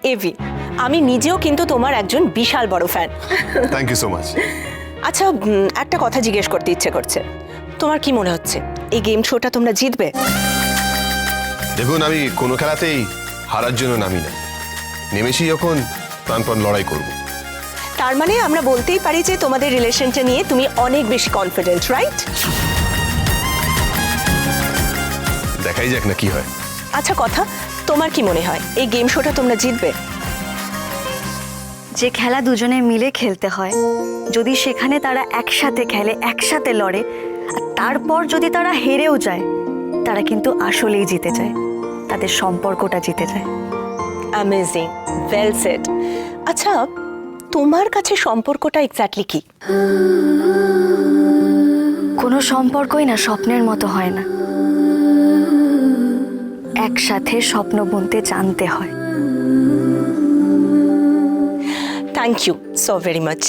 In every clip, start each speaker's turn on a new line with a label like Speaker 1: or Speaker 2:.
Speaker 1: AV, আমি নিজেও কিন্তু তোমার একজন বিশাল বড় fan.
Speaker 2: Thank you so much.
Speaker 1: আচ্ছা, একটা কথা জিজ্ঞেস করতে ইচ্ছে করছে, তোমার কি মনে হচ্ছে এই গেম শোটা তোমরা জিতবে?
Speaker 2: দেখুন, আমি কোনো খেলাতেই হারার জন্য নামি না, নেমেছি যখন প্রাণপণ লড়াই করব।
Speaker 1: তার মানে আমরা বলতেই পারি যে তোমাদের রিলেশনটা নিয়ে তুমি অনেক বেশি কনফিডেন্ট, রাইট?
Speaker 2: দেখাই যাক না কি হয়।
Speaker 1: আচ্ছা কথা, তোমার কি মনে হয় এই গেম শোটা তোমরা জিতবে?
Speaker 3: যে খেলা দুজনে মিলে খেলতে হয়, যদি সেখানে তারা একসাথে খেলে, একসাথে লড়ে, আর তারপর যদি তারা হেরেও যায়, তারা কিন্তু আসলেই জিতে যায়, তাদের সম্পর্কটা জিতে যায়।
Speaker 1: Amazing, well said. আচ্ছা, তোমার কাছে সম্পর্কটা এক্স্যাক্টলি কি?
Speaker 3: কোনো সম্পর্কই না স্বপ্নের মতো হয় না, একসাথে স্বপ্ন বুনতে জানতে হয়।
Speaker 1: Thank you so very much.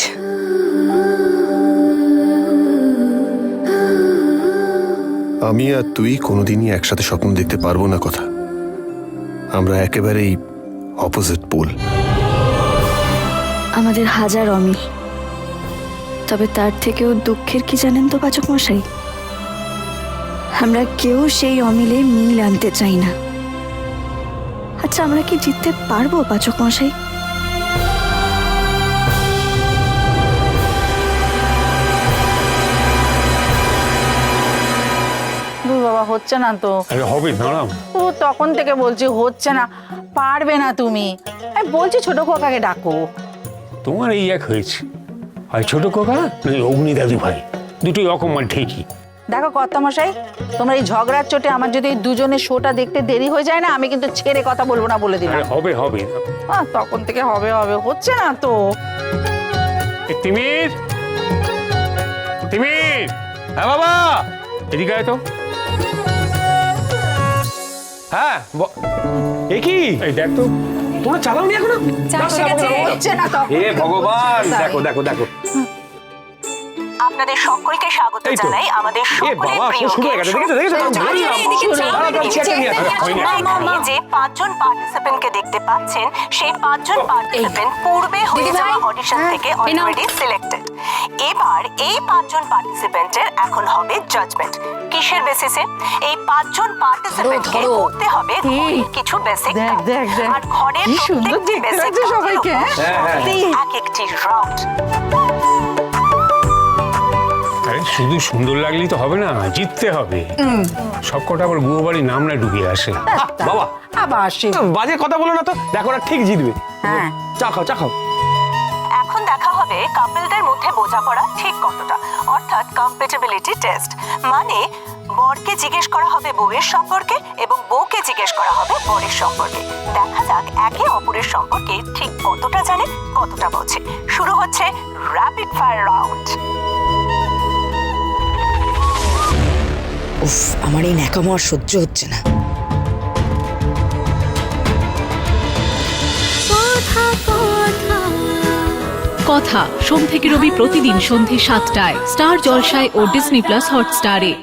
Speaker 2: আমি আর তুই কোনোদিনই একসাথে স্বপ্ন দেখতে পারবো না কথা, আমরা একেবারেই অপোজিট পোল।
Speaker 3: আমাদের হাজার অমিল, তবে তার থেকেও দুঃখের কি জানেন তো পাচক মশাই, আমরা কেউ সেই অমিলে মিল আনতে চাই না। আচ্ছা, আমরা কি জিততে পারবো পাচক মশাই?
Speaker 4: বাবা, হচ্ছে না তো।
Speaker 5: আরে হবে, দাঁড়াও।
Speaker 4: তো তখন থেকে বলছি হচ্ছে না, পারবে না তুমি। আমি বলছি ছোট খোকাকে ডাকো।
Speaker 5: তোমার এই এক হয়েছে, আর ছোট কোকা নয় অগ্নি দাদু ভাই, দুটোই অকমান ঠিকই।
Speaker 4: দেখো কর্তামশাই, তোমার এই ঝগড়ার চোটে আমার যদি এই দুজনের শোটা দেখতে দেরি হয়ে যায় না, আমি কিন্তু ছেড়ে কথা বলবো না বলে দিলাম।
Speaker 5: আরে হবে হবে।
Speaker 4: তখন থেকে হবে হবে, হচ্ছে না তো।
Speaker 5: এ তিমির, তিমির, হ্যাঁ বাবা, এদিকে আয় তো।
Speaker 6: হ্যাঁ, এ কি?
Speaker 5: এই দেখ তো,
Speaker 6: তোমরা চালাওনি এখনো?
Speaker 4: হচ্ছে না তখন।
Speaker 6: এ ভগবান, দেখো দেখো দেখো।
Speaker 1: আপনাদের সকলকে স্বাগত
Speaker 6: এই তো।
Speaker 1: জানাই আমাদের
Speaker 6: এ
Speaker 1: সকলের
Speaker 6: বাবা,
Speaker 1: প্রিয়
Speaker 6: শুরু হয়ে গেছে, দেখেছো দেখেছো?
Speaker 1: এখানে যে 5 জন পার্টিসিপেন্টকে দেখতে পাচ্ছেন, সেই 5 জন পার্টিসিপেন্ট পূর্বে হয়ে যাওয়া অডিশন থেকে অলরেডি সিলেক্টেড। এবার এই 5 জন পার্টিসিপেন্টের এখন হবে জাজমেন্ট। কিসের বেসিসে? এই 5 জন পার্টিসিপেন্টকে করতে হবে কিছু বেসিক
Speaker 4: দেখ, দেখ, দেখ।
Speaker 1: আর ঘরের
Speaker 4: কি সুন্দর
Speaker 1: প্রত্যেকটি
Speaker 4: দেখতে
Speaker 1: বেসিক
Speaker 4: লাগছে সবাইকে,
Speaker 1: এক একটি রাউন্ড।
Speaker 5: আরে শুধু সুন্দর লাগলেই তো হবে না, জিততে হবে। সব কটা আবার গুয়ো বাড়ির নাম না ডুবিয়ে আসে।
Speaker 6: বাবা,
Speaker 4: আবার সে
Speaker 6: বাজে কথা বলো না তো, দেখো ওরা ঠিক জিতবে।
Speaker 4: হ্যাঁ।
Speaker 6: চা খাও, চা খাও।
Speaker 1: এখন দেখা হবে কাপলদের মধ্যে বোঝাপড়া ঠিক কতটা, অর্থাৎ কম্প্যাটিবিলিটি টেস্ট। মানে বরকে জিজ্ঞেস করা হবে বউয়ের সম্পর্কে এবং বউকে জিজ্ঞেস করা হবে বরের সম্পর্কে। দেখা যাক একে অপরের সম্পর্কে ঠিক কতটা জানে, কতটা বোঝে। শুরু হচ্ছে র্যাপিড ফায়ার রাউন্ড।
Speaker 7: উফ, আমার এই ন্যাকামো আর সহ্য হচ্ছে না।
Speaker 8: কথা সোম থেকে রবি প্রতিদিন সন্ধে 7টায় স্টার জলসায় ও ডিজনি প্লাস হটস্টারে।